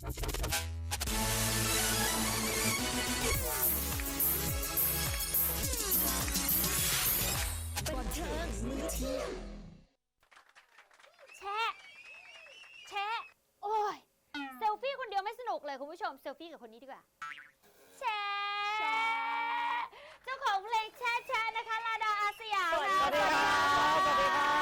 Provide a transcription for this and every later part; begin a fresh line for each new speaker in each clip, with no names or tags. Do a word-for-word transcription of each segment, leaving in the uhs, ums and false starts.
บันเทิงมื้อเที่ยง
แชะแชะโอ้ยเซลฟี่คนเดียวไม่สนุกเลยคุณผู้ชมเซลฟี่กับคนนี้ดีกว่าแชะเจ้าของเพลงแชะแชะนะคะลาดาอาสยาม
สวัสดีครับสวัสดีครับ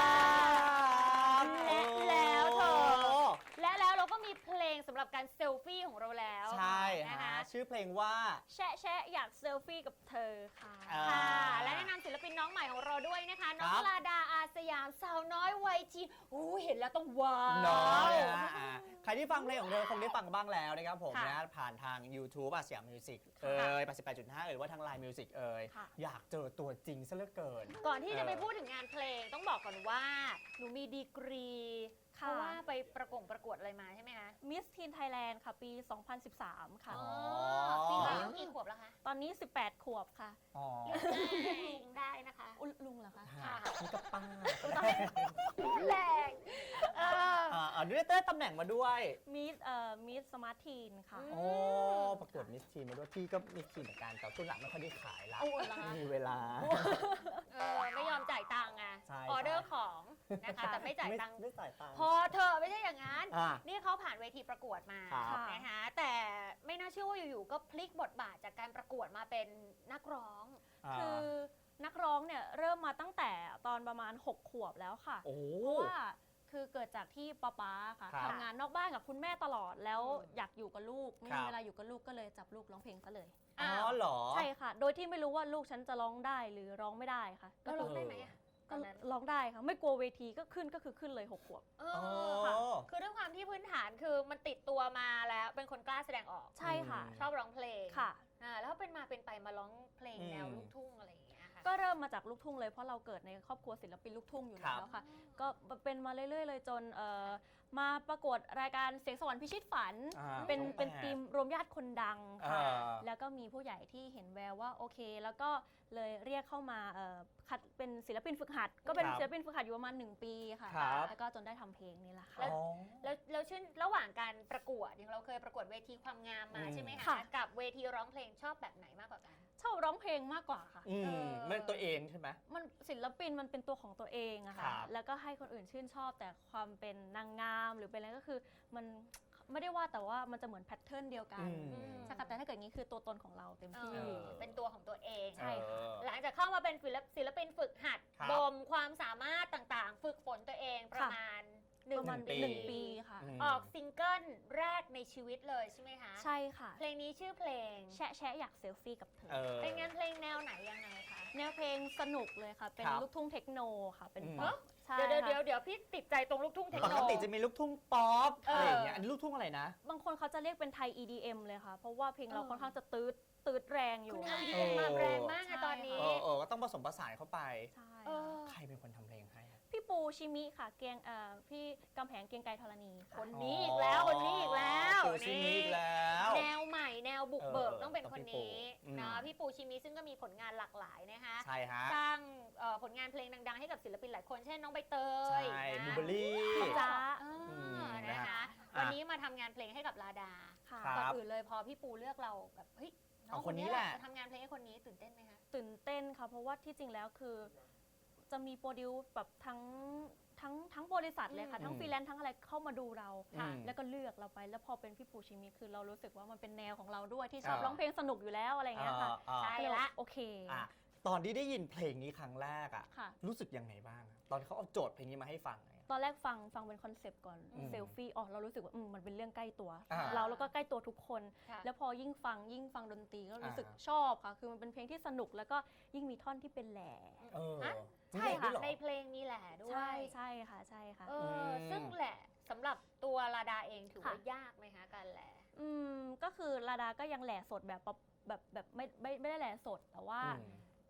และแล้วเธอและแล้วเราก็มีเพลงสำหรับการเซลฟี่ของเราแล้ว
ใช่
นะ
ฮะ
คะ
ชื่อเพลงว่า
แชะแชะอยากเซลฟี่กับเธอค่ะ
อ่า
ค่ะและแนะนำศิลปินน้องใหม่ของเราด้วยนะคะน้อง
ครับ
ลาดาอาสยามสาวน้อยวัยทีนโอ้เห็นแล้วต้องว้าว
น้อยนะฮะอ่าใครที่ฟังเพลงของเธอคงได้ฟังบ้างแล้วนะครับผม
ค่ะ
นะผ่านทาง YouTube อาสยามมิวสิกเอ่ย แปดสิบแปดจุดห้า เอ่ยว่าทาง ไลน์ Music เอ่ย
ค่ะ
อยากเจอตัวจริงซะเหลือเกิน
ก่อนที่จะ
เออ
ไปพูดถึงงานเพลงต้องบอกก่อนว่า หนูมีดีกรีเพ
ค่ะ
ราะว่าไปประกงประกวดอะไรมาใช่ไหมคะ
มิสทีนไทยแลนด์ค่ะ ปี สองพันสิบสาม ค่ะ
อ๋อปีนี้อายุกี่ขวบแล้วคะ
ตอนนี้ สิบแปด ขวบค่ะ
อ๋อ
ลุงได้นะคะ
อุยลุงเหรอคะ
ค่ะนี่ก็ป้า
แรงเออ
อ่าอ่าด้วยเต้ตำแหน่งมาด้วย
มิสเอ่อมิสสมาร์ททีนค่ะ
อืม
โอ้ประกวดมิสทีนมาด้วยพี่ก็มิสทีนเหมือนกันแต่ช่วงหลังไม่ค่อยได้ขายละ
โอ้เหรอคะ
ไม่มีเวลา
เออไม่ยอมจ่ายตังค์ไง
ใช่
ออเดอร์ของนะคะแต่ไม่จ่ายตังค์
ไม่จ่ายตังค์
พอเธอะไม่ใช่อย่างนั้น
อ่า
นี่เขาผ่านเวทีประกวดมา
ครับ
นะคะแต่ไม่น่าเชื่อว่าอยู่ๆก็พลิกบทบาทจากการประกวดมาเป็นนักร้อง
า
คือนักร้องเนี่ยเริ่มมาตั้งแต่ตอนประมาณ หก ขวบแล้วค่ะ
โอ้
เพราะว่าคือเกิดจากที่ป๊าป๊าค่ะ
ครับ
ทำงานนอกบ้านกับคุณแม่ตลอดแล้ว
อืม
อยากอยู่กับลูก ไม่
ครั
มี
บ
เวลาอยู่กับลูกก็เลยจับลูกร้องเพลงซะเลย
อ๋อเหรอ
ใช่ค่ะ โดยที่ไม่รู้ว่าลูกฉันจะร้องได้หรือร้องไม่ได้ค่ะ
แล้วร้องได้ไหมอะต
ก็
อนนั้น
ร้องได้ค่ะ ไม่กลัวเวทีก็ขึ้นก็คือขึ้นเลยหกขวบ
เออค่ะคือด้วยความที่พื้นฐานคือมันติดตัวมาแล้วเป็นคนกล้าแสดงออก
ใช่ค่ะ
อืม
ชอบร้องเพลง
ค่ะ
อ่าแล้วเป็นมาเป็นไปมาร้องเพลง
อืม
แนวลูกทุ่งอะไรอย่างเงี้ยค่ะ
ก็เริ่มมาจากลูกทุ่งเลยเพราะเราเกิดในครอบครัวศิลปินลูกทุ่งอยู่
ครับ
แล้วค่ะ ก็เป็นมาเรื่อยๆเลยจนเอ่อมาประกวดรายการเสียงสวรรค์พิชิตฝัน
อ่า
เป็น
ช่อง
เป็น
แปด
ทีมรวมญาติคนดังค่ะ
อ่า
แล้วก็มีผู้ใหญ่ที่เห็นแววว่าโอเค แล้วก็เลยเรียกเข้ามาเอ่อคัดเป็นศิลปินฝึกหัด ก็เป็น
ครับ
ศิลปินฝึกหัดอยู่ประมาณหนึ่งปีค่ะ
ครับ
แล้วก็จนได้ทำเพลงนี่แหละค่ะ
แล้ว
อ๋อ
แล้วแล้วชื่นระหว่างการประกวดอย่างเราเคยประกวดเวทีความงามมา
อืม
ใช่ไหมคะ
ค่ะ
กับเวทีร้องเพลงชอบแบบไหนมากกว่ากัน
ชอบร้องเพลงมากกว่าค่ะ
อื
เอ
ม
อ
ไม่ตัวเองใช่ไหม
มันศิลปินมันเป็นตัวของตัวเองอะ
ครั
ค่ะ
บ
แล้วก็ให้คนอื่นชื่นชอบแต่ความเป็นนางงามหรือเป็นอะไรก็คือมันไม่ได้ว่าแต่ว่ามันจะเหมือนแพทเทิร์นเดียวกัน
อืม
ใช่ค่ะแต่ถ้าเกิดอย่างนี้คือตัวตนของเราเต็มที่
เออเป็นตัวของตัวเอง
ใช่ค่ะ
เออ
หลังจากเข้ามาเป็นศิลปศิลปินฝึกหัด
ครับ
บ่มความสามารถต่างๆ ฝึกฝนตัวเองประมาณหนึ่
ป
ง
ระมาณ
หนึ่งปี
หนึ่งปีค่ะ
อืม
ออกซิงเกิลแรกในชีวิตเลยใช่ไหมคะ
ใช่ค่ะ
เพลงนี้ชื่อเพลง
แชะแชะอยากเซลฟี่กับเธอ
เออ
เป็นงานเพลงแนวไหนยังไงคะ
แนวเพลงสนุกเลยค่ะ เป็น
ครับ
ลูกทุ่งเทคโนค่ะ เป็น
อืม
ป๊อปใช่
เดี๋ยวเดี๋ยว
ค่ะ
เดี๋ยวพี่ติดใจตรงลูกทุ่งเทค
ป
โน
กติจะมีลูกทุ่งป๊อป
เอออ
อะไรอย่างเงี้ยอันนี้ลูกทุ่งอะไรนะ
บางคนเขาจะเรียกเป็นไทย อี ดี เอ็ม เลยค่ะ เพราะว่าเพลงเรา
เออ
ค่อนข้างจะตืดตืดแรงอยู่
คุณ
ค่ะ
ทำดีเอ็มมาแรงมากอะตอนนี้
เออเออก็ต้องผสมผสานเข้าไป
ใช่
เอ
ค่ะ
อ
ใครเป็นคนทำเพลงให้อะ
พี่ปูชิมิค่ะ เกียงเอ่อพี่กำแพงเกียงไกรธรณี
ค
ค่ะ
นนี้อีกแล้วคนนี้อีกแล้ว
ปูชิมิอีกแล้ว
แนวใหม่แนวบุกเบิก
เออ
ต้องเป็นคนนี้
ต้องพี่ปู
นะ
อืม
พี่ปูชิมิซึ่งก็มีผลงานหลากหลายนะคะ
ใช่ฮะ
สร้างเอ่อผลงานเพลงดังๆ ให้กับศิลปินหลายคนเช่นน้องใบเตย
ใช่
นะ
บูเบอรี่
จ้า
อ่า
อืม
นะ
นะคะ
คะ
อ่ะ
วันนี้มาทำงานเพลงให้กับลาดา
ค่ะ
ครับ
ก่อนอื่นเลยพอพี่ปูเลือกเราแบบเฮ้ยน้อง
เอา
ค
คน นนี้
นี้แหละ
แหละ
จะทำงานเพลงให้คนนี้ตื่นเต้นไหมคะ
ตื่นเต้นค่ะ เพราะว่าที่จริงแล้วคือจะมีโปรดิวแบบทั้งทั้งทั้งบริษัทเลยค่ะ
อืม
ทั้งฟรีแลนซ์ทั้งอะไรเข้ามาดูเรา
ค่ะ
แล้วก็เลือกเราไป แล้วพอเป็นพี่ปูชิมิคือเรารู้สึกว่ามันเป็นแนวของเราด้วยที่ชอบ
อ่า
ร้องเพลงสนุกอยู่แล้วอะไรอย่างเงี้ยค่ะ
อ่า
ใช่
ก็เย
ละ
โอเค
อ่ะตอนที่ได้ยินเพลงนี้ครั้งแรกอ่ะ
ค่ะ
รู้สึกยังไงบ้างอะตอนที่เขาเอาโจทย์เพลงนี้มาให้ฟังอะ
ตอนแรกฟังฟังเป็นคอนเซปต์ก่อน
อืม
เซลฟี่อ๋อเรารู้สึกว่าอืมมันเป็นเรื่องใกล้ตัว
อ่า
เราแล้วก็ใกล้ตัวทุกคน
ค่ะ
แล้วพอยิ่งฟังยิ่งฟังดนตรีก็รู้สึก
อ่า
ชอบค่ะ คือมันเป็นเพลงที่สนุกแล้วก็ยิ่งมีท่อนที่เป็นแหล่
เออ
ฮะ
มี
ใช่ค่ะ
ด้วยเหรอ
ในเพลงมีแหละด้วย
ใช่ใช่ค่ะใช่ค่ะ
เอออ
ม
ซึ่งแหละสำหรับตัวลาดาเองถือว่า
ค่ะ
ยากไหมคะการแหละ
อืมก็คือลาดาก็ยังแหล่สดแบบป๊อปแบบแบบไม่ไม่ไม่ได้แหล่สดแต่ว่า
อืม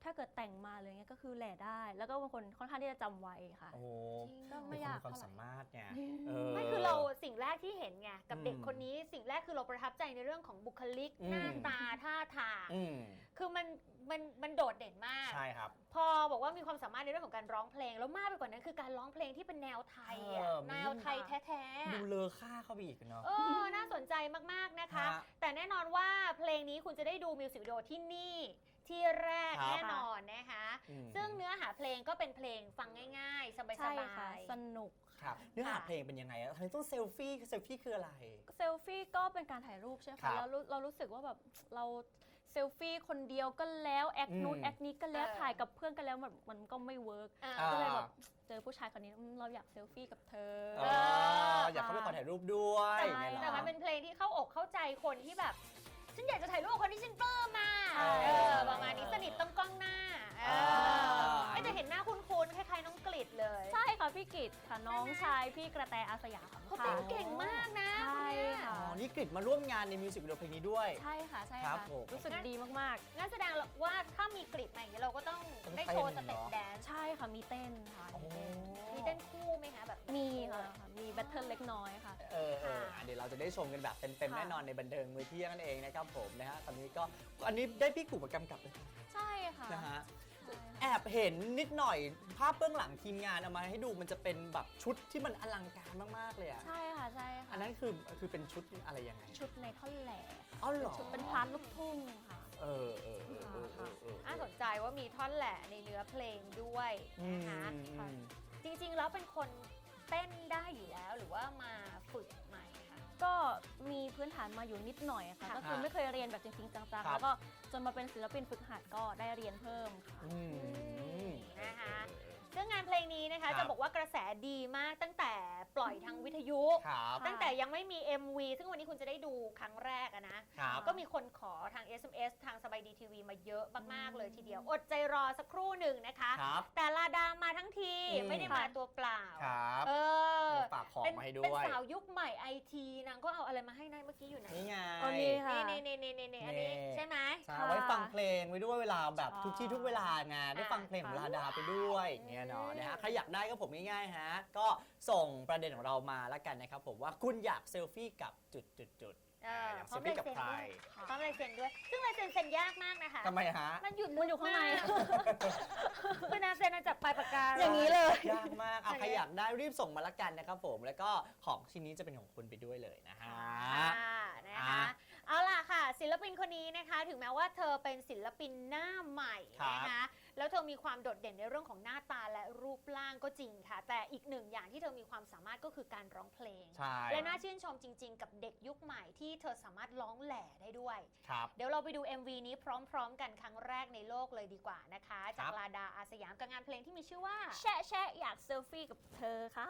ถ้าเกิดแต่งมาเลยเงี้ยก็คือแหล่ได้ แล้วก็บางคนค่อนข้างที่จะจำไว้ค่ะ
โอ้
ก็
ไม่
ไม่
ยาย
าก ก
ความ
เท่าไหร่
สามารถไง
ไม่คือเราสิ่งแรกที่เห็นไงกับเด็ก
อืม
คนนี้สิ่งแรกคือเราประทับใจในเรื่องของบุคลิก
อืม
หน้าตาท่าทาง
อืม
คือมันมันมันโดดเด่นมาก
ใช่ครับ
พอบอกว่ามีความสามารถในเรื่องของการร้องเพลงแล้วมากไปกว่านั้นคือการร้องเพลงที่เป็นแนวไทยอะ
เออ
แนวไทยแท้ๆ
ดู
อะ
เลอค่าเข้าไปอีกเนาะ
เออน่าสนใจมากๆนะคะ
ฮะ
แต่แน่นอนว่าเพลงนี้คุณจะได้ดูมิวสิกวิดีโอที่นี่ที่แรก
ครับ
แน่นอนนะคะ
อืม
ซึ่งเนื้อหาเพลงก็เป็นเพลงฟังง่ายๆ ส
ใช่
บา
ค่ะ
ย
สนุก
ครับเนื้อหาเพลงเป็นยังไงอะทำไมต้องเซลฟี่เซลฟี่คืออะไร
เซลฟี่ก็เป็นการถ่ายรูปใช่ไหม
ครั
คะ
บ
แล้วรู้เรารู้สึกว่าแบบเราเซลฟี่คนเดียวก็แล้วแอคนู้น
อืม
แอคนี้ก็แล้ว
เออ
ถ่ายกับเพื่อนกันแล้วมันมันก็ไม่เวิร์ก
ๆอ่า
อ่า
ก็เลยแบบเจอผู้ชายคนนี้อืมเราอยากเซลฟี่กับเธอ
เอออยากเข้าไปขอถ่ายรูปด้วย
ใช่
อย่างเงี้ยเหรอ
แต่มันเป็นเพลงที่เข้าอกเข้าใจคนที่แบบ ฉันอยากจะถ่ายรูปกับคนที่ฉันปลื้มมา
ใช่
เออประมาณนี้สนิทต้องกล้องหน้าเออ
อ่า
ไม่แต่เห็นหน้าคุ้นๆคล้ายๆน้องกฤษเลย
ใช่ค่ะพี่กิตค่ะน้องชายพี่กระแตอาสยาม
เขา
ค่ะ
เต้นเก่งมากนะ
ใช่
คนเนี้ย
ค่ะ
อ๋อนี่กริดมาร่วมงานในมิวสิกวิดีโอเพลงนี้ด้วย
ใช่ค่ะใช่
ครั
ค่ะ
บผม
รู้สึกดีมาก
งั้นแสดงว่าถ้ามีกฤษมาอย่างนี้เราก็ต้อง
ต้อง
ได้
เต้น
โชว์สเต็ป
เนอะ
แดน
ๆ
ซ์
ใช่ค่ะมีเต้นค่ะ
โอ้
มีเต้น
มีเต้นคู่ไหมคะแบบ
มีค่ะมีแบทเทิลเล็กน้อยค่ะ
เออเอออ่ะเดี๋ยวเราจะได้ชมกันแบบเต็มๆ
ค่ะ
แน่นอนในบันเทิงมือเที่ยงนั่นเองนะครับผมนะฮะตอนนี้ก็อันนี้ได้พี่กู่มากำกับเลย
ใช่ค่ะ
นะฮะ
ใช่ค่ะ
แอบเห็นนิดหน่อยภาพเบื้องหลังทีมงานเอามาให้ดูมันจะเป็นแบบชุดที่มันอลังการมากๆเลยอ่ะ
ใช่ค่ะใช่ค่ะ
อันนั้นคือคือเป็นชุดอะไรยังไง
ชุดในท่อนแหล่
อ๋อเหรอ
ชุดเป็นพาร์ทลูกทุ่งค่ะ
เออเออเออเออเออเออ
น่าสนใจว่ามีท่อนแหละในเนื้อเพลงด้วย
อืม
นะคะ
อืม
จริงๆแล้วเป็นคนเต้นได้อยู่แล้วหรือว่ามาฝึกใหม่คะ
ก็มีพื้นฐานมาอยู่นิดหน่อยค่ะ
ค่ะ
ก็คือไม่เคยเรียนแบบจริงๆจัง
ครับ
ๆ แล้วก็จนมาเป็นศิลปินฝึกหัดก็ได้เรียนเพิ่มค่ะ
อืม
นะคะ
เออ
ซึ่งงานเพลงนี้นะคะ
ครับ
จะบอกว่ากระแสดีมากตั้งแต่ปล่อยทางวิทยุ
ครับ
ตั้งแต่ยังไม่มี เอ็ม วี ซึ่งวันนี้คุณจะได้ดูครั้งแรกอะนะ
ครับ
ก็มีคนขอทาง เอส เอ็ม เอส ทางสบายดีทีวีมาเยอะมากๆเลยทีเดียว อดใจรอสักครู่หนึ่งนะคะ
ครับ
แต่ลาดามาทั้งที
อืม
ไม่ได้มาตัวเปล่า
ครับ
เออ
ฝากของ
เป็น
มาให้ด้
เป็น
วย
สาวยุคใหม่ไอทีนางก็เอาอะไรมาให้นายเมื่อกี้อยู่ไหน
นี่ไง
อ๋อนี่ค่ะ
นี่นี่นี่นี่นี่อันนี้
นี่
ใช่ไหม
ใช่
ค่ะ
ไว้ฟังเพลงไว้ด้วยเวลาแบบ
ใช่
ทุกที่ทุกเวลางานได้ฟังเพลงของ
ค่ะ
ลาดาไปด้วยอย่างเงี้ยเนาะนะฮะใครอยากได้ก็ผมง่ายๆฮะก็ส่งประเด็นของเรามาแล้วกันนะครับผมว่าคุณอยากเซลฟี่กับจุดจุดจุด
เออ
อยาก
พ
เซ
ร้อ
ล
ม
ฟี่
ลาย
กับ
เซ็น
ใคร
ด้วยพร้อมลายเซ็นด้วย ซึ่งลายเซ็นเซ็นยากมากนะคะ
ทำไมฮะ
มันหยุด
มันอยู่ข้างใน
มกคือนาเซ็นมาจากปลายปากกา
อย่างนี้เลย
ยากมากเอาใครอยากได้รีบส่งมาละกันนะครับผมแล้วก็ของชิ้นนี้จะเป็นของคุณไปด้วยเลยนะฮะ
ค่ะนะคะ
อ่ะ
เอาล่ะค่ะ ศิลปินคนนี้นะคะ ถึงแม้ว่าเธอเป็นศิลปินหน้าใหม่
ครับ
นะคะแล้วเธอมีความโดดเด่นในเรื่องของหน้าตาและรูปร่างก็จริงค่ะ แต่อีกหนึ่งอย่างที่เธอมีความสามารถก็คือการร้องเพลง
ใช่
และน่าชื่นชมจริง ๆ กับเด็กยุคใหม่ที่เธอสามารถร้องแหล่ได้ด้วย
ครับ
เดี๋ยวเราไปดู เอ็ม วี นี้พร้อม ๆ กันครั้งแรกในโลกเลยดีกว่านะคะ จากลาดาอาสยามกับงานเพลงที่มีชื่อว่า
แชะแชะอยากเซลฟี่กับเธอค่ะ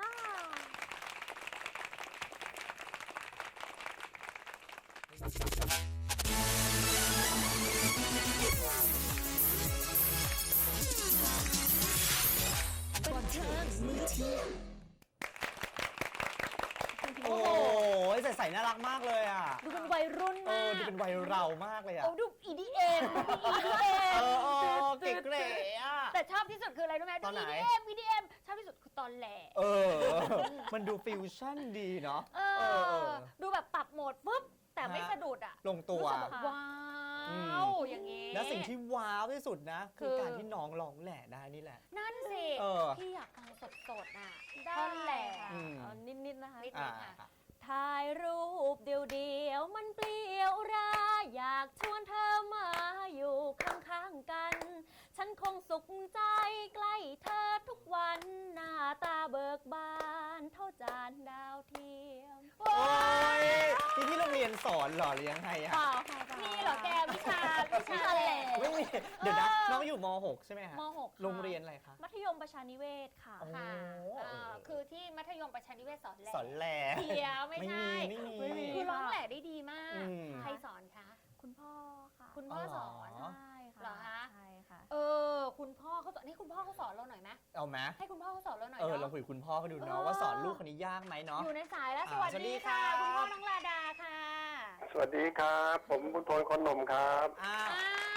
บันเทิงมื้อเที่ยง
โอ้โหใส่ใส่น่ารักมากเลยอ่ะ
ดูเป็นวัยรุ่น
เอ
มา
อก ดูเป็นวัยเรามากเลยอ่ะ
โอ้ดู อี ดี เอ็ม ดู อี ดี เอ็
เอ
ม
อเออเก๋ๆอ่ะ
แต่ชอบที่สุดคืออะไรรู้ไหม
ต
ดู
อนไหน
อี ดี เอ็ม อี ดี เอ็ม ชอบที่สุดคือตอนแหล่
เออ มันดูฟิวชั่นดีเนาะ
เอ
เออเอ
อ
อ
ดูแบบปรับโหมดปุ๊บ แต่ไม่
ฮะ
สะดุดอ่ะ
ลงตัว
รู้สึกแบบว้า
อื
ว
ม
อย่างงี้
และสิ่งที่ว้าวที่สุดนะ คือ
คือ
การที่น้องร้องแหล่ได้นี่แหละ
นั่นสิ
เออ
พี่อยากฟังสดๆน่ะ
ได้
ท่อนแหล่
ค่ะ
อืม
เอานิดๆนะคะ
นิด
อ่า
ค่ะ
ถ่ายรูปเดียวๆมันเปลี่ยวราอยากชวนเธอมาอยู่ข้างๆกัน ฉันคงสุขใจใกล้เธอทุกวันหน้าตาเบิกบานเท่าจานดาวเทียม
โอ้ยนี่ที่โรงเรียนสอนเหรอหรือยังไงอะ
เปล่าค่ะปล่า
มีเหรอแกวิชาวิชาแหล่
ไม่มีเดี๋ยวนะน้องอยู่ม หก ใช่ไหมฮะ
ม หกค่ะ
โรงเรียนอะไรคะ
มัธยมประชานิเวศค่ะ
โอ้
ค่ะ
เออ
เอ่อคือที่มัธยมประชานิเวศสอนแหล่
สอนแหล่
เดียวไม่
ไม่
ใช่
มีไม่มี
ไม่มี
คือร้องแหล่ได้ดีมาก
อืม
ใครสอนคะ
คุณพ่อค่ะ
คุณพ่อสอน
อ๋อ
ใช่ค่ะ
เหรอคะ
ใช่ค่ะ
เออ คุณพ่อเขาสอนนี่คุณพ่อเขาสอนเราหน่อยไหม
เอาไหม
ให้คุณพ่อเขาสอนเราหน่อย
เออลอง
เนาะ
คุยกับคุณพ่อเขาดู
เอ
เนาะ
อ
ว่าสอนลูกคนนี้ยากไหมเนาะ
อยู่ในสายแล้ว
อ่า
สวัส
สวัสดี
ดีค่ะ
ครับ
คุณพ่อน้องลาดาค่ะ
สวัสดีครับ ผมคุณโทนคนหนุ่มครับ
อ้าว
อ่า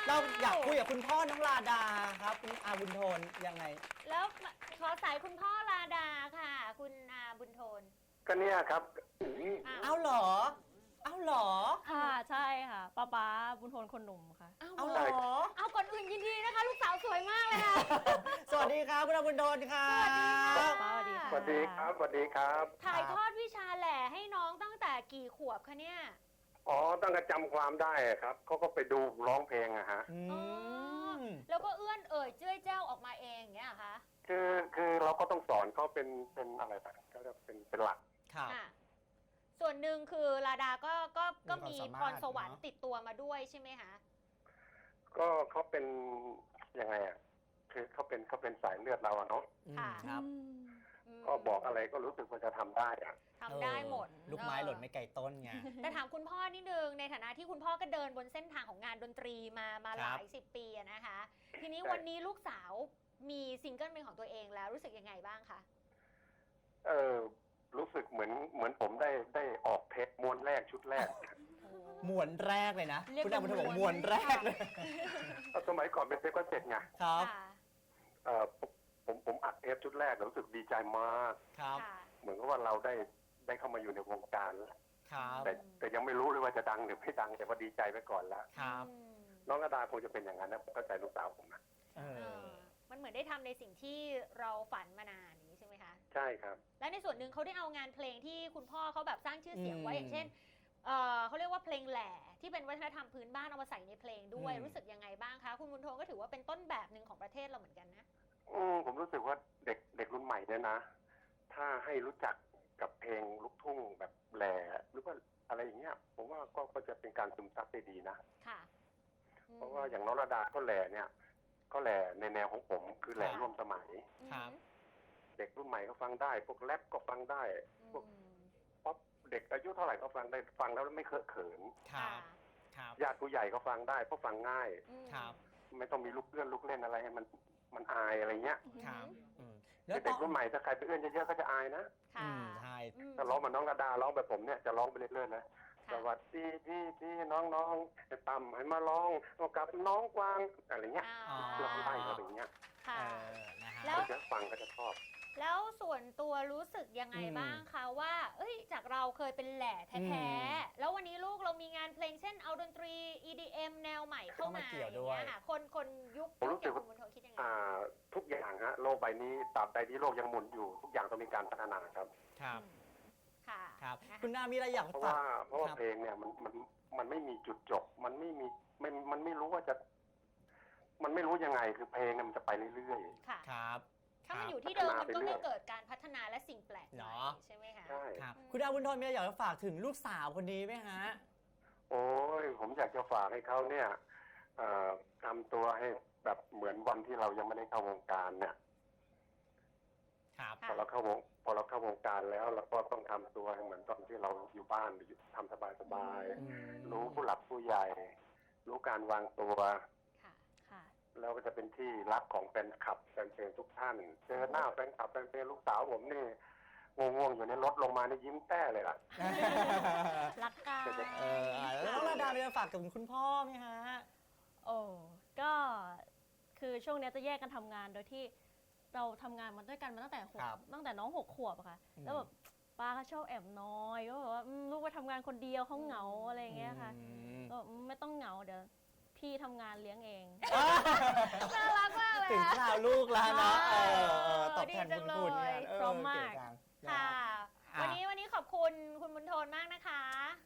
เราอยากคุยกับคุณพ่อน้องลาดาครับคุณอาบุญโทนยังไง
แล้วขอสายคุณพ่อลาดาค่ะ คุณอาบุญโทน
ก็เนี่ยครับ
อ้าว
เอาเหรอ เอาเหรอ
ค่ะใช่ค่ะป้าป๊าบุญโทนคนหนุ่มค่ะ
อ้าว
เอาเหรอ
เอาก่อนอื่นยินดีนะคะ ลูกสาวสวยมากเลยค่ะ
สวัสดีครับคุณอาบุญโทนครับ
สวัสดีค่ะ
สวัสดีครับสวัสดีครับ
ถ่ายทอดวิชาแหล่ให้น้องตั้งแต่กี่ขวบคะเนี่ย
อ๋อตั้งแต่จำความได้อะครับเขาก็ไปดูร้องเพลงอะฮะ
อื
อ๋อ
ม
แล้วก็เอื้อนเอ่ยเจ้ยเจ้าออกมาเองอย่างเงี้ยเหรอคะ
คือคือเราก็ต้องสอนเขาเป็นเป็นอะไรแบบก็จะเป็นเป็นหลัก
ครับ
ค่ะส่วนหนึ่งคือลาดาก็ก็ก็
มี
มี
ความสามารถ
พรสวรรค์
เนอะ
ติดตัวมาด้วยใช่ไหมคะ
ก็เขาเป็นยังไงอะคือเขาเป็นเขาเป็นสายเลือดเราอะเนาะ
อืม
ค่ะ
ครับ
อืม
ก็บอกอะไรก็รู้สึกว่าจะทำได้อะ
ทำได้หมด
เออลูกไม้หล่นไม่ไกลต้นไง
แต่ถามคุณพ่อนิดนึงในฐานะที่คุณพ่อก็เดินบนเส้นทางของงานดนตรีมามา
ค
ห
รับ
ลายสิบปีอะนะคะ ทีนี้วันนี้ลูกสาวมีซิงเกิลเป็นของตัวเองแล้วรู้สึกยังไงบ้างคะ
เออรู้สึกเหมือนเหมือนผมได้ได้ออกเทปม้วนแรกชุดแรก
มวนแรกเลยนะ
เรียก
คุณอาบุญโทนบอก
เป็น
ม
ม้
ว
วน น
แรกเลย
สมัยก่อนเป็นเทปก็เสร็จไง
ครับ
ค่ะ
เออผมผมผมอัดเทปชุดแรกแล้วรู้สึกดีใจมาก
ครับ
ค่ะ
เหมือนกับว่าเราได้ได้เข้ามาอยู่ในวงการแล้ว
ครับ
แต่แต่ยังไม่รู้เลยว่าจะดังหรือไม่ดังแต่ว่าดีใจไปก่อนแล้ว
ครับ
อืม
น้องกระดาคงจะเป็นอย่างนั้นนะผมเข้าใจลูกสาวผมนะ
เอ
เอ
อ
อมันเหมือนได้ทำในสิ่งที่เราฝันมานานอย่างนี้ใช่ไหมคะ
ใช่ครับ
และในส่วนหนึ่งเขาได้เอางานเพลงที่คุณพ่อเขาแบบสร้างชื่อเสียงไว้
อืม
อย่างเช่นเออเขาเรียกว่าเพลงแหล่ที่เป็นวัฒนธรรมพื้นบ้านเอามาใส่ในเพลงด้วย
อืม
รู้สึกยังไงบ้างคะคุณบุญโทนก็ถือว่าเป็นต้นแบบหนึ่งของประเทศเราเหมือนกันนะ
อืมผมรู้สึกว่าเด็กเด็กรุ่นใหม่เนี่ยนะ ถ้าให้รู้จักกับเพลงลูกทุ่งแบบแหล่หรือว่าอะไรอย่างเงี้ย ผมว่าก็ก็จะเป็นการซึมซับได้ดีนะ
ค่ะอืม
เพราะว่าอย่างน้องระดาก็แหล่เนี่ย ก็แหล่ในแนวของผมคือแหล่
ครับ
ร่วมสมัย
ครับ
เด็กรุ่นใหม่ก็ฟังได้ พวกแรปก็ฟังได้
อืม
พวกป๊อปเด็กอายุเท่าไหร่ก็ฟังได้ฟังแล้วไม่เคอะเขิน
ครับ ครับ
ญาติผู้ใหญ่ก็ฟังได้เพราะฟังง่าย
อืม
ครับ
ไม่ต้องมีลูกเอื้อนลูกเล่นอะไรให้มันมันอายอะไรเงี้ย
ครับอืม
เด็กรุ่นใหม่ถ้าใครไปเอื้อนเยอะๆก็จะอายนะ
อื
ค่ะ
มใช่
อืม
ถ้าร้องเหมาน้องระดาร้องแบบผมเนี่ยจะร้องไปเรื่อยๆนะส
ค่ะ
วัสดีพี่พี่น้องน้องจะต่ำให้มาร้องกับน้องกวางอะไรเงี้ย
อ่า
เราไล่เขาอย่างเงี้ย
ค่ะ
เออนะฮะ
แล้ว
เดี๋ยวฟังก็จะชอบ
แล้วส่วนตัวรู้สึกยังไง
อืม
บ้างคะว่า เอ้ย จากเราเคยเป็นแหล่แท้
อืม
ๆ แล้ววันนี้ลูกเรามีงานเพลงเช่นเอาดนตรี อี ดี เอ็ม แนวใหม่เข้า
เข้า
มา
มาเกี่
อ
ยว
ย่าง
ด้วย
เงี้ยค่ะ คนคนยุค
ผมรู้สึก
ยุค
ว่า
อย่างคุณบุญโทนคิดยังไง
อ่าทุกอย่างฮะโลกใบนี้ตราบใดที่โลกยังหมุนอยู่ ทุกอย่างต้องมีการพัฒนาครับ
ครับ
ค่ะ
ครับ
นะะ
คุณอามีอะไรอยาก
เพราะ
ฝาก
ว่าเพราะว่า
ครับ
เพลงเนี่ยมันมันมันไม่มีจุดจบ มันไม่มีมันมันไม่รู้ว่าจะ มันไม่รู้ยังไงคือเพลงเนี่ยมันจะไปเรื่อย
ค่ะ
ครับ
ถ้ามัน
ครับ
อยู่ที่เดิมมันก็
พัฒนาไปเรื่
ไม่
อย
เกิดการพัฒนาและสิ่งแปลกให
เน
ม่
อะ
ใช่ไหมคะ
ๆใช่
ครับ
อืม
คุณอาบุญโทนมีอะไรอยากจะฝากถึงลูกสาวคนนี้ไหมฮะ
โอ้ยผมอยากจะฝากให้เขาเนี่ยเอ่อทำตัวให้แบบเหมือนวันที่เรายังไม่ได้เข้าวงการเนี่ย
ครับ
พอเราเข้าวงพอเราเข้าวงการแล้วเราก็ต้องทำตัวให้เหมือนตอนที่เราอยู่บ้านหรืออยู่ทำสบาย
อืม
ๆรู้ผู้หลักผู้ใหญ่ รู้การวางตัว
ค่ะ
ค่ะ
แล้วก็จะเป็นที่รักของแฟนคลับแฟนเพลงทุกท่าน เจอหน้าแฟนคลับแฟนเพลงลูกสาวผมนี่ง่วงๆอยู่ในรถลงมานี่ยิ้มแต้เลยล่ะ
รักกัน
เอออ่ะแล้วน้องระดามีอะไรฝากถึงคุณพ่อไหมฮะ
โอ้ก็คือช่วงเนี้ยจะแยกกันทำงานโดยที่เราทำงานมาด้วยกันมาตั้งแต่หก
ครับ
ตั้งแต่น้องหกขวบอะค่ะ
อืม
แล้วแบบป้าเขาชอบแอบน้อยก็แบบว่าอืมลูกไปทำงานคนเดียวเขาเหงาอะไรอย่างเงี้ยค่ะ
อืม
ก็อืมไม่ต้องเหงาเดี๋ยวพี่ทำงานเลี้ยงเอง
น่ารักมากเลย
ถึง
อะ
ข่าวลูกแล้วนะเออเออตอบ
ดี
แทน
จั
คุ
ง
ณคุณ
เลย
เนี่ยเออ
พร้อมมาก
เจังนะ
ค่ะ
อ่ะ
วันนี้วันนี้ขอบคุณคุณบุญโทนมากนะคะ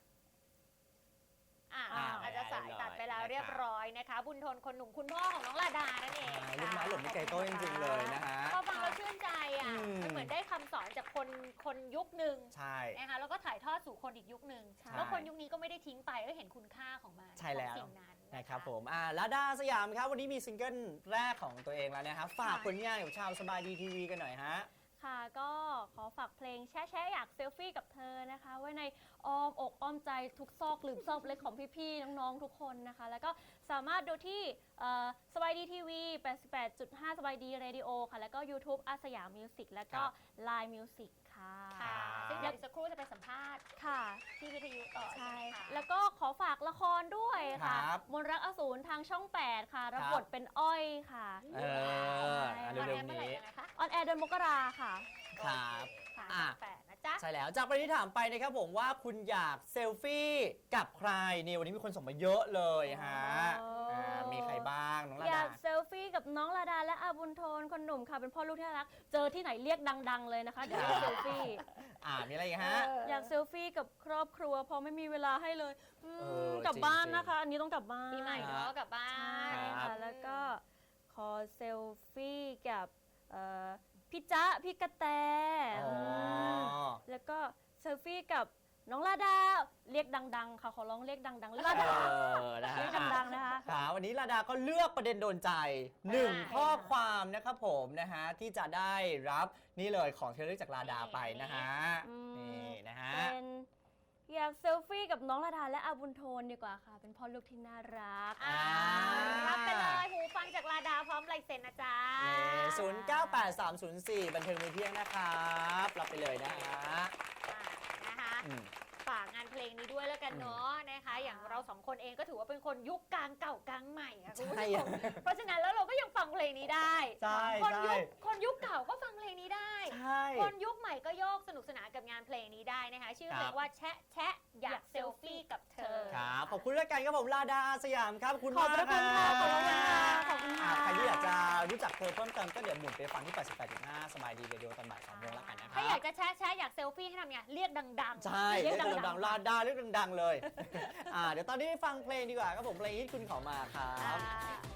อ่า
อ่า
อาจจะสายตัดไปแล้ว
ได้
เรียบร้อยนะคะ บุญโทนคนหนุ่มคุณพ่อของน้องลาดานั่นเอง
อ่า
ค่ะ
ลูกไม้หล่นไม่ไกลต้นจริงๆเลยนะฮะ
พอฟังเราชื่นใจอ่ะ
อืม
มันเหมือนได้คำสอนจากคนคนยุคหนึ่ง
ใช่
นะคะแล้วก็ถ่ายทอดสู่คนอีกยุคหนึ่ง
ใช่
แล้วคนยุคนี้ก็ไม่ได้ทิ้งไปก็เห็นคุณค่าของมัน
ใช่แล้ว
ของสิ่งนั้น
นะครับผมอ่าลาดาสยามครับวันนี้มีซิงเกิลแรกของตัวเองแล้วนะครับฝากผลงานกับชาวสบายดีทีวีกันหน่อยฮะ
ค่ะก็ขอฝากเพลงแช่แช่อยากเซลฟี่กับเธอนะคะ ไว้ในอ้อมอกอ้อมใจทุกซอกหลืมซอกเล็กของพี่ๆน้องๆทุกคนนะคะ แล้วก็สามารถดูที่สบายดีทีวี แปดสิบแปดจุดห้า สบายดีเรดิโอค่ะ แล้วก็ YouTube อาสยามมิวสิกแล้วก็
ครับ
Line Music ค่ะค่ะ
ค่ะซึ่งเดี๋ยวอีกสักครู่จะไปสัมภาษณ์
ค่ะ
ที่วิทยุต่อ
ใช่
ใช่ไหม
ค่ะ
คะ
แล้วก็ขอฝากละครด้วยค่ะ
ครับ
มนต์รักอสูรทางช่องแปดค่ะรับบท
ครับ
เป็นอ้อยค่ะ
เอออ่ะ
ตอน
เร็ว
นี้
ๆ
เมื่อไหร่
นี้
ยังไงคะ
ออนแอร์เดือนมกราค่ะ
ครับ
ค่ะ
อ่ะ
แปดนะจ๊ะ
ใช่แล้วจากประเด็นที่ถามไปนะครับผมว่าคุณอยากเซลฟี่กับใครนี่วันนี้มีคนส่งมาเยอะเลยฮะ
อ๋ออ่
ามีใครบ้างน้องลา
อยา
ดา
กเซลฟี่กับน้องลาดาและอาบุญโทนคนหนุ่มค่ะเป็นพ่อลูกที่น่ารัก เจอที่ไหนเรียกดัง ๆ เลยนะคะเดี๋ยวเซลฟี่
อ่ามีอะไรอีกฮะ
อยากเซลฟี่กับครอบครัวเพราะไม่มีเวลาให้เลยอืม
เออก
ลับบ้าน
จริงๆ
นะคะ อันนี้ต้องกลับบ้าน
ปีใหม่เนาะกลับบ้า
ใช่
น
ค่ะแล้วก็ขอเซลฟี่กับเอ่อพี่จ๊ะพี่กระแต
อ๋อ
มแล้วก็เซลฟี่กับน้องลาดาเรียกดัง ๆ ค่ะขอร้องเรียกดังๆลา
เอ
ดา
อนะฮะ
เรียกดังๆนะคะ
ค่ะวันนี้ลาดาก็เลือกประเด็นโดนใจหนึ่งข้อความนะครับผมนะฮะที่จะได้รับนี่เลยของที่ระลึกจากลาดาไปนะฮะ
อืม
นี่นะฮะ
เป็นอยากเซลฟี่กับน้องลาดาและอาบุญโทนดีกว่าค่ะ เป็นพ่อลูกที่น่ารัก
อ่ารับไปเลยหูฟังจากลาดาพร้อมลายเซ็นนะจ๊ะ
ศูนย์เก้าแปดสามศูนย์สี่บันเทิงมือเที่ยงนะครับรับไปเลยนะฮะ
อ่านะคะ
อืม
ฝากงานเพลงนี้ด้วยแล้วกันเนาะนะคะ อย่างเราสองคนเองก็ถือว่าเป็นคนยุคกลางเก่ากลางใหม่ค่ะคุณผู้
ใช่
ชมเพราะฉะนั้นแล้วเราก็ยังฟังเพลงนี้ได้
ใช่
คนยุ
ใช่
คคนยุคเก่าก็ฟังเพลงนี้ได้
ใช่
คนยุคใหม่ก็โยกสนุกสนานกับงานเพลงนี้ได้นะคะ ชื่อเพล
ครั
ง
บ
ว่าแชะแชะอยากเซลฟี่กับเธอ
ครับขอบคุณด้วยกันครับผมลาดาสยามครับคุณ
ขอบ
มาก
พระคุณค่ะ
รับ
ขอบคุณค่ะขอบคุณค่ะ
อ่าใครที่อยากจะรู้จักเธอเพิ่มเติมก็เดี๋ยวหมุนไปฟังที่ แปดสิบแปดจุดห้า สบายดีเรดิโอตอนบ่ายสองโมงแล้วกันนะครั
ถ้าอยาก
บ
จะแชะแชะอยากเซลฟี่ให้ทำไงเรียกดังๆ
ใช่
เรี
เรี
ย
ย
ก
ก
ดั
ดั
ง
งๆลาดาเรียกดังๆเลย อ่าเดี๋ยวตอนนี้ฟังเพลงดีกว่าครับผมเพลงที่คุณเขามาครับ
ๆ